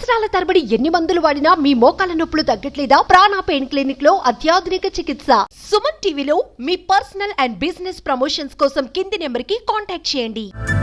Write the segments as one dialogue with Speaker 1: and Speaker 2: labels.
Speaker 1: సంవత్సరాల తరబడి ఎన్ని మందులు వాడినా మీ మోకాల నొప్పులు తగ్గట్లేదా? ప్రాణ పెయిన్ క్లినిక్ లో అత్యాధునిక చికిత్స. సుమన్ టీవీలో మీ పర్సనల్ అండ్ బిజినెస్ ప్రమోషన్స్ కోసం కింది నెంబర్ కి కాంటాక్ట్ చేయండి.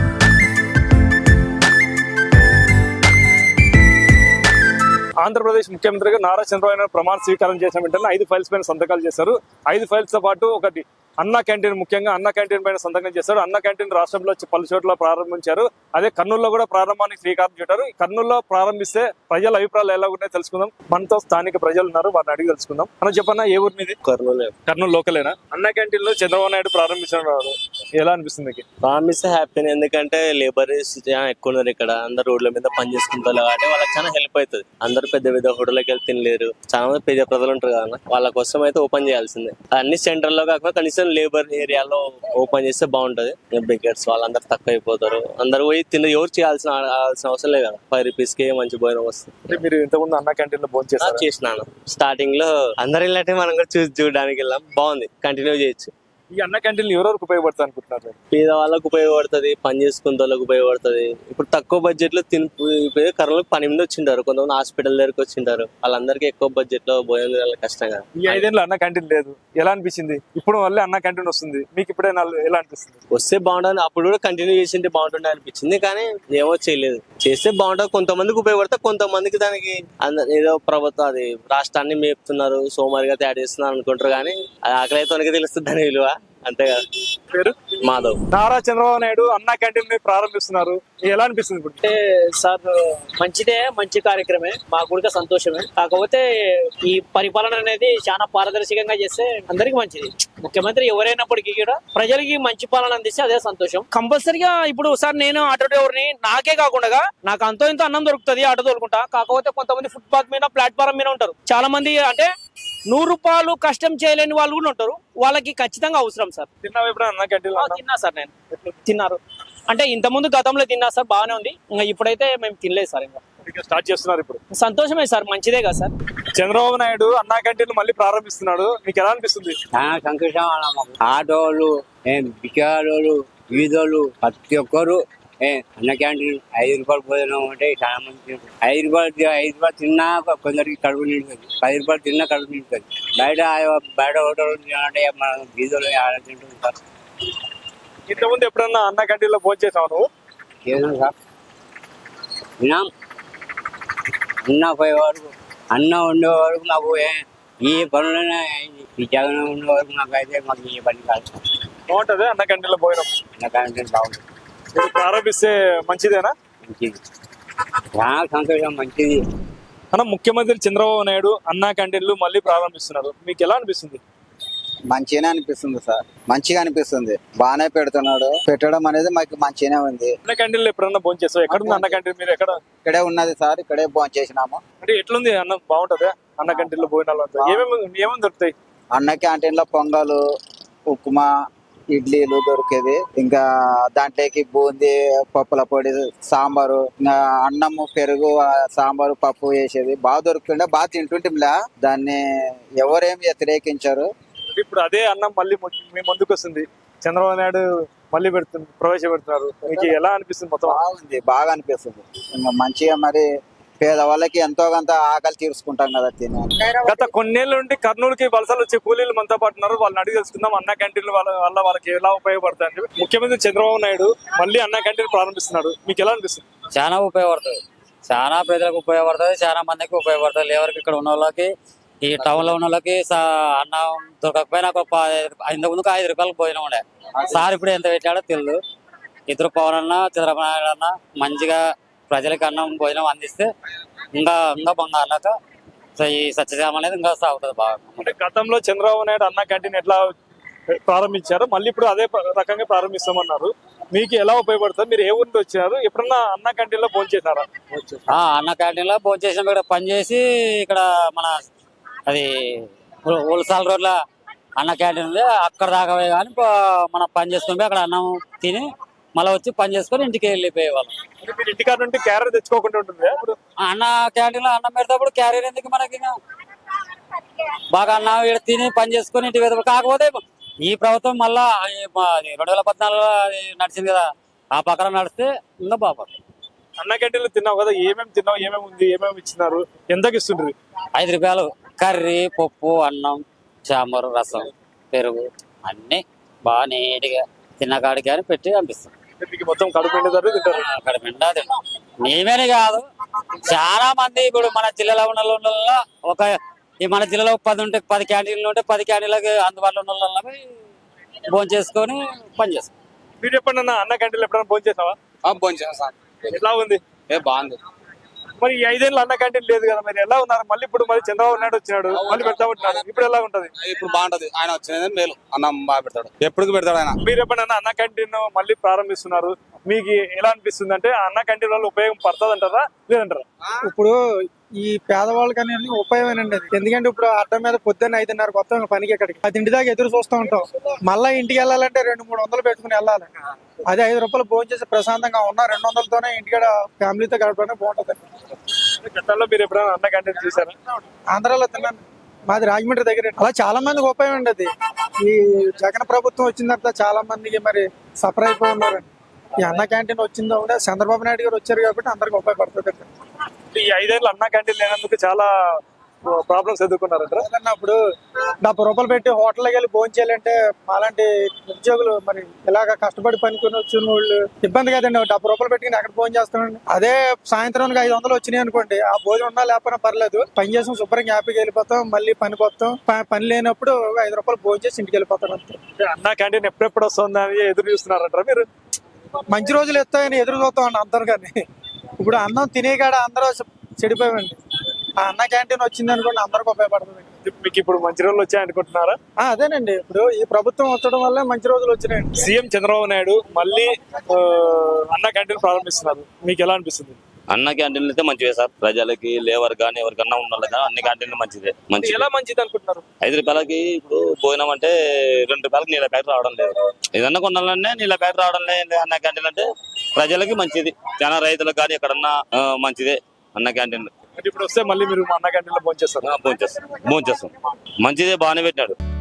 Speaker 2: ఆంధ్రప్రదేశ్ ముఖ్యమంత్రిగా నారా చంద్రబాబు నాయుడు ప్రమాణ స్వీకారం చేసిన వెంటనే 5 ఫైల్స్ పైన సంతకాలు చేశారు. 5 ఫైల్స్ తో పాటు ఒకటి అన్నా క్యాంటీన్, ముఖ్యంగా అన్నా క్యాంటీన్ పైన సంతకం చేశారు. అన్నా క్యాంటీన్ రాష్ట్రంలో పలు చోట్ల ప్రారంభించారు. అదే కర్నూలులో కూడా ప్రారంభానికి శ్రీకారం చుట్టారు. కర్నూలులో ప్రారంభిస్తే ప్రజల అభిప్రాయాలు ఎలా ఉన్నాయో తెలుసుకుందాం. మనతో స్థానిక ప్రజలు ఉన్నారు, వారిని అడిగి తెలుసుకుందాం. మనం చెప్పన్నా, ఏ ఊరు మీది? కర్నూలు లోకలేనా? అన్నా క్యాంటీన్ లో చంద్రబాబు నాయుడు ప్రారంభించారు, ఎలా అనిపిస్తుంది?
Speaker 3: ప్రారంభిస్తే హ్యాపీనే, ఎందుకంటే లేబర్ ఎక్కువ ఉన్నారు ఇక్కడ. అందరు రోడ్ల మీద పని చేసుకుంటారు కాబట్టి వాళ్ళకి చాలా హెల్ప్ అవుతుంది. అందరూ పెద్ద పెద్ద హోటల్కి వెళ్ళి తినలేరు, చాలా మంది పెద్ద ప్రజలు ఉంటారు కదా, వాళ్ళ కోసం అయితే ఓపెన్ చేయాల్సిందే. అన్ని సెంటర్ లో కాకుండా కనీసం లేబర్ ఏరియాలో ఓపెన్ చేస్తే బాగుంటది. బెగ్గర్స్ వాళ్ళందరూ తక్కువ అయిపోతారు. అందరూ పోయి ఎవరు చేయాల్సిన అవసరం లేదు కదా. 5 రూపీస్ కి మంచి భోజనం వస్తుంది.
Speaker 2: మీరు ఇంతకుముందు అన్నా క్యాంటీన్ లో భోజనం
Speaker 3: చేసినాను. స్టార్టింగ్ లో అందరు ఇలాంటి మనం కూడా చూడడానికి వెళ్ళాం, బాగుంది, కంటిన్యూ చేయొచ్చు.
Speaker 2: ఈ అన్న క్యాంటీన్ ఎవరెవరికి ఉపయోగపడుతుంది అనుకుంటున్నారు?
Speaker 3: పేద వాళ్ళకు ఉపయోగపడుతుంది, పని చేసుకునే వాళ్ళకి ఉపయోగపడుతుంది. ఇప్పుడు తక్కువ బడ్జెట్ లో కర్రలకు పని మీద వచ్చింటారు, కొంతమంది హాస్పిటల్ దగ్గరకు వచ్చింటారు. వాళ్ళందరికీ ఎక్కువ బడ్జెట్ లో భోజనం తినాలి కష్టంగా.
Speaker 2: ఈ 5 ఏళ్ళు అన్న క్యాంటీన్ లేదు, ఎలా అనిపించింది? ఇప్పుడు మళ్ళీ అన్న క్యాంటీన్ వస్తుంది, మీకు ఇప్పుడే ఎలా అనిపిస్తుంది?
Speaker 3: వస్తే బాగుంటుంది, అప్పుడు కూడా కంటిన్యూ చేసింటే బాగుంటుండే అనిపించింది, కానీ ఏమో చేయలేదు. చేస్తే బాగుంటుంది, కొంతమందికి ఉపయోగపడతా, కొంతమందికి దానికి ఏదో ప్రభుత్వం అది రాష్ట్రాన్ని మేపుతున్నారు, సోమరిగా తయారు చేస్తున్నారు అనుకుంటారు. కానీ అది ఆకలి అయితే తెలుస్తుంది దాని విలువ, అంతే కదా.
Speaker 2: పేరు
Speaker 3: మాధవ్.
Speaker 2: నారా చంద్రబాబు నాయుడు అన్నా క్యాంటీన్ ప్రారంభిస్తున్నారు, ఎలా అనిపిస్తుంది?
Speaker 4: అంటే సార్ మంచిదే, మంచి కార్యక్రమే, మాకు కూడా సంతోషమే. కాకపోతే ఈ పరిపాలన అనేది చాలా పారదర్శకంగా చేస్తే అందరికి మంచిది. ముఖ్యమంత్రి ఎవరైనప్పటికీ కూడా ప్రజలకి మంచి పాలన అందిస్తే అదే సంతోషం. కంపల్సరిగా ఇప్పుడు సార్ నేను ఆటో డ్రైవర్ని, నాకే కాకుండా నాకు అంతో ఇంత అన్నం దొరుకుతుంది, ఆటో తోలుకుంటా. కాకపోతే కొంతమంది ఫుట్పాత్ మీద, ప్లాట్ఫారం మీద ఉంటారు. చాలా మంది అంటే 100 రూపాయలు కష్టం చేయలేని వాళ్ళు కూడా ఉంటారు. వాళ్ళకి ఖచ్చితంగా అవసరం సార్. తిన్నా సార్, నేను తిన్నారు అంటే ఇంత ముందు గతంలో తిన్నా సార్, బాగానే ఉంది. ఇంకా ఇప్పుడైతే మేము తినలేదు సార్. ఇంకా
Speaker 2: స్టార్ట్ చేస్తున్నారు, ఇప్పుడు
Speaker 4: సంతోషమే సార్, మంచిదే కదా సార్.
Speaker 2: చంద్రబాబు నాయుడు అన్నా క్యాంటీన్ మళ్ళీ ప్రారంభిస్తున్నాడు, మీకు ఎలా అనిపిస్తుంది?
Speaker 5: చాలా సంతోషం. ఆటోలు, బికారోలు, వీధోళ్ళు, ప్రతి ఒక్కరు అన్న క్యాంటీన్ 5 రూపాయలు భోజనం అంటే చాలా మంది 5 రూపాయలు తిన్నా కొందరికి కడుపు నిండుతుంది, 10 రూపాయలు తిన్నా కడుపు నిండుతుంది. బయట హోటల్ అంటే మన వీధులు తింటుంటారు.
Speaker 2: ఇంతకుముందు ఎప్పుడన్నా అన్న క్యాంటీన్ లో భోజనం చేసావు నువ్వు?
Speaker 5: చేసాం సార్, తిన్నాం. అన్న పోయే వరకు, అన్న ఉండే వరకు మాకు ఏ పనులైనా, ఈ జగన్ ఉండే వరకు మాకు ఏ పని కాదు.
Speaker 2: బాగుంటది అన్న క్యాంటీన్ లో భోజనం?
Speaker 5: అన్న క్యాంటీన్ బాగుంటుంది.
Speaker 2: ప్రారంభిస్తే మంచిదేనా?
Speaker 5: మంచిది, చాలా సంతోషం, మంచిది.
Speaker 2: అన్న, ముఖ్యమంత్రి చంద్రబాబు నాయుడు అన్నా క్యాంటీన్లు మళ్ళీ ప్రారంభిస్తున్నారు, మీకు ఎలా అనిపిస్తుంది?
Speaker 6: మంచిగానే అనిపిస్తుంది సార్, మంచిగా అనిపిస్తుంది. బాగానే పెడుతున్నాడు, పెట్టడం అనేది మాకు మంచిగానే ఉంది.
Speaker 2: అన్న క్యాంటీన్ లో ఎప్పుడన్నా భోజనం చేస్తావు? ఎక్కడ ఉంది అన్న క్యాంటీన్? మీరు ఎక్కడ?
Speaker 6: ఇక్కడే ఉన్నది సార్, ఇక్కడే భోజనం చేసినాము.
Speaker 2: అంటే ఎట్లుంది అన్నం? బాగుంటది అన్న క్యాంటీన్ లో భోజనాలు? ఏమేమి దొరుకుతాయి
Speaker 6: అన్న క్యాంటీన్ లో? పొంగలు, ఉప్మా, ఇడ్లీలు దొరికేది. ఇంకా దాంట్లోకి బూందీ, పప్పుల పొడి, సాంబారు, ఇంకా అన్నము, పెరుగు, సాంబారు, పప్పు వేసేది బాగా దొరుకుతుండే, బాగా తింటుంటేలా. దాన్ని ఎవరేం వ్యతిరేకించారు.
Speaker 2: ఇప్పుడు అదే అన్నం మళ్ళీ మీ ముందుకు వస్తుంది, చంద్రబాబు నాయుడు మళ్ళీ ప్రవేశపెడుతున్నారు, మీకు ఎలా అనిపిస్తుంది? మొత్తం
Speaker 6: బాగుంది, బాగా అనిపిస్తుంది. ఇంకా మంచిగా మరి పేదవాళ్ళకి ఎంతో కొంత ఆకలి తీర్చుకుంటాం కదా తిని.
Speaker 2: గత కొన్నేళ్ల నుండి కర్నూలుకి వలసలు వచ్చే కూలీలు మనతో పాటు ఉన్నారు, వాళ్ళని అడిగి తెలుసుకుందాం అన్న క్యాంటీన్ల వల్ల వాళ్ళకి ఎలా ఉపయోగపడుతుంది. ముఖ్యమంత్రి చంద్రబాబు నాయుడు మళ్ళీ అన్న క్యాంటీన్ ప్రారంభిస్తున్నాడు, మీకు ఎలా అనిపిస్తుంది?
Speaker 7: చాలా ఉపయోగపడుతుంది, చాలా ప్రజలకు ఉపయోగపడుతుంది, చాలా మందికి ఉపయోగపడుతుంది. ఎవరికి ఇక్కడ ఉన్న వాళ్ళకి, ఈ టౌన్ లో ఉన్న వాళ్ళకి అన్నం దొరకకపోయినా ఇంతకుముందుకు 5 రూపాయలకు భోజనం ఉండే సార్, ఇప్పుడు ఎంత పెట్టాడో తెలియదు. ఇద్దరు పవన్ అన్న, చంద్రబాబు నాయుడు అన్న మంచిగా ప్రజలకు అన్నం భోజనం అందిస్తే ఇంకా బంగారులాగా ఈ సత్యశామ అనేది ఇంకా సాగుతుంది బాగా.
Speaker 2: అంటే గతంలో చంద్రబాబు నాయుడు అన్న క్యాంటీన్ ఎట్లా ప్రారంభించారు, మళ్ళీ ఇప్పుడు అదే రకంగా ప్రారంభిస్తామన్నారు, మీకు ఎలా ఉపయోగపడుతుంది? మీరు ఏ ఊరిలో వచ్చారు? ఎప్పుడన్నా అన్న క్యాంటీన్ లో భోజనం చేశారా?
Speaker 7: అన్న క్యాంటీన్ లో భోజనం చేసిన ఇక్కడ పనిచేసి, ఇక్కడ మన అది ఉలసాల రోడ్ల అన్న క్యాంటీన్ ఉంది, అక్కడ దాకా కానీ మనం పని చేసుకుని అక్కడ అన్నం తిని మళ్ళీ వచ్చి పని చేసుకొని ఇంటికి వెళ్ళిపోయేవాళ్ళం.
Speaker 2: ఇంటికాడ నుండి క్యారియర్ తెచ్చుకోకుండా ఉంటుంది.
Speaker 7: అన్న క్యాంటీన్ లో అన్నం పెడతాప్పుడు క్యారియర్ ఎందుకు మనకి? బాగా అన్నం ఇక్కడ తిని పని చేసుకొని ఇంటికి వెళ్తాం. కాకపోతే ఈ ప్రభుత్వం మళ్ళా 2014 నడిచింది కదా, ఆ పక్కన నడిస్తే ఇంకా బాగుంది.
Speaker 2: అన్న క్యాంటీన్లో తిన్నావు కదా, ఏమేమి తిన్నావు, ఏమేమి ఉంది, ఏమేమి ఇచ్చినారు, ఎంతకి ఇస్తుండ్రు?
Speaker 7: 5 రూపాయలు కర్రీ, పప్పు, అన్నం, చామరు, రసం, పెరుగు అన్ని బాగా నీట్గా తిన్న కాడికి అని పెట్టి పంపిస్తాం.
Speaker 2: మీకు మొత్తం కడుపు నిండుతారు, తింటారు.
Speaker 7: అక్కడ పిండా తింటాం. మేమేనే కాదు, చాలా మంది ఇప్పుడు మన జిల్లాలో ఉన్న వాళ్ళలో మన జిల్లాలో 10 క్యాంటీన్లు ఉంటే 10 క్యాంటీన్లకి అందుబాటులో ఉన్న వాళ్ళని భోజనం చేసుకొని పని చేస్తాం.
Speaker 2: మీరు ఎప్పుడన్నా అన్న క్యాంటీన్లో ఎప్పుడైనా భోజనం చేసావా?
Speaker 8: భోజనం సార్
Speaker 2: ఎట్లా ఉంది?
Speaker 8: బాగుంది.
Speaker 2: మరి ఈ 5 ఏళ్ళు అన్న క్యాంటీన్ లేదు కదా, మరి ఎలా ఉన్నారు? మళ్ళీ ఇప్పుడు మరి చంద్రబాబు నాయుడు వచ్చినాడు, మళ్ళీ పెడతా ఉంటున్నాడు, ఇప్పుడు ఎలా ఉంటది?
Speaker 8: ఇప్పుడు బాగుంటది. ఆయన వచ్చిన మేలు, అన్నం బాగా పెడతాడు, ఎప్పటికి పెడతాడు ఆయన.
Speaker 2: మీరు ఎప్పుడైనా అన్న క్యాంటీన్ మళ్ళీ ప్రారంభిస్తున్నారు, మీకు ఎలా అనిపిస్తుంది? అంటే ఆ అన్న క్యాంటీన్ వల్ల ఉపయోగం పడుతుంది అంటారా, లేదంటారా?
Speaker 9: ఇప్పుడు ఈ పేదవాళ్ళకి అనేది ఉపయోగమేనండి అది. ఎందుకంటే ఇప్పుడు అడ్డం మీద పొద్దున్న 5:30 వస్తాం పనికి, ఇక్కడికి 10 దాకా ఎదురు చూస్తూ ఉంటాం. మళ్ళీ ఇంటికి వెళ్ళాలంటే 200-300 పెట్టుకుని వెళ్ళాలి. అదే 5 రూపాయలు భోజనం చేసి ప్రశాంతంగా ఉన్న 200తోనే ఇంటికాడ ఫ్యామిలీతో గడపడానికి బాగుంటుంది.
Speaker 2: గతంలో మీరు ఎప్పుడైనా అన్న క్యాంటీన్ చూసారా?
Speaker 9: ఆంధ్రాలో తిన్నాను, మాది రాజమండ్రి దగ్గర. అలా చాలా మందికి ఉపయోగం అండి అది. ఈ జగన్ ప్రభుత్వం వచ్చిన తర్వాత చాలా మందికి మరి సఫర్ అయిపోయి ఉన్నారండి. ఈ అన్న క్యాంటీన్ వచ్చిందో కూడా చంద్రబాబు నాయుడు గారు వచ్చారు కాబట్టి అందరికి ఉపయోగపడుతుంది.
Speaker 2: ఈ 5 ఏళ్ళు అన్న క్యాంటీన్ లేనందుకు చాలా ప్రాబ్లమ్స్ ఎదుర్కొన్నారంటారా?
Speaker 9: అప్పుడు 70 రూపాయలు పెట్టి హోటల్కి వెళ్ళి భోజనం చేయాలంటే అలాంటి ఉద్యోగులు మరి ఇలాగ కష్టపడి పనుకొని వచ్చిన వాళ్ళు ఇబ్బంది కదండి. 70 రూపాయలు పెట్టుకుని ఎక్కడ భోజనం చేస్తామండి. అదే సాయంత్రానికి 500 వచ్చినాయి అనుకోండి, ఆ భోజనం ఉన్నా లేకపోయినా పర్లేదు, పని చేసాం శుభ్రంగా హ్యాపీగా వెళ్ళిపోతాం. మళ్ళీ పనికి వస్తాం, పని లేనప్పుడు 5 రూపాయలు భోజనం చేసి ఇంటికి వెళ్ళిపోతాం అంతే.
Speaker 2: అన్న క్యాంటీన్ ఎప్పుడెప్పుడు వస్తుందని ఎదురు చూస్తున్నారంటారా మీరు?
Speaker 9: మంచి రోజులు ఎత్తాయని ఎదురు చూస్తాం అండి అందరు. కానీ ఇప్పుడు అన్నం తినే కాడ అందరూ చెడిపోయామండి. ఆ అన్న క్యాంటీన్ వచ్చింది అనుకోండి అందరికి ఉపయోగపడుతుంది.
Speaker 2: మీకు ఇప్పుడు మంచి రోజులు వచ్చాయనుకుంటున్నారా?
Speaker 9: అదేనండి, ఇప్పుడు ఈ ప్రభుత్వం వచ్చడం వల్ల మంచి రోజులు వచ్చినాయండి.
Speaker 2: సీఎం చంద్రబాబు నాయుడు మళ్ళీ అన్న క్యాంటీన్ ప్రారంభిస్తున్నారు, మీకు ఎలా అనిపిస్తుంది?
Speaker 3: అన్న క్యాంటీన్లు అయితే మంచివే సార్. ప్రజలకి, లేవర్ కానీ ఎవరికన్నా ఉన్న వాళ్ళకి అన్ని క్యాంటీన్లు మంచిదే.
Speaker 2: ఎలా మంచిది అనుకుంటున్నారు?
Speaker 3: 5 రూపాయలకి ఇప్పుడు భోజనం అంటే 2 రూపాయలకి నీళ్ళ ప్యాకెట్ రావడం లేదు. ఏదన్నా కొనాలనే నీళ్ళ ప్యాకెట్ రావడం లేదు. అన్న క్యాంటీన్ అంటే ప్రజలకి మంచిది, చాలా రైతులకు కానీ ఎక్కడన్నా మంచిదే అన్న క్యాంటీన్.
Speaker 2: ఇప్పుడు వస్తే మళ్ళీ మీరు అన్న క్యాంటీన్ లో భోంచేస్తారు?
Speaker 3: భోంచేస్తాం మంచిదే, బాగానే పెట్టాడు.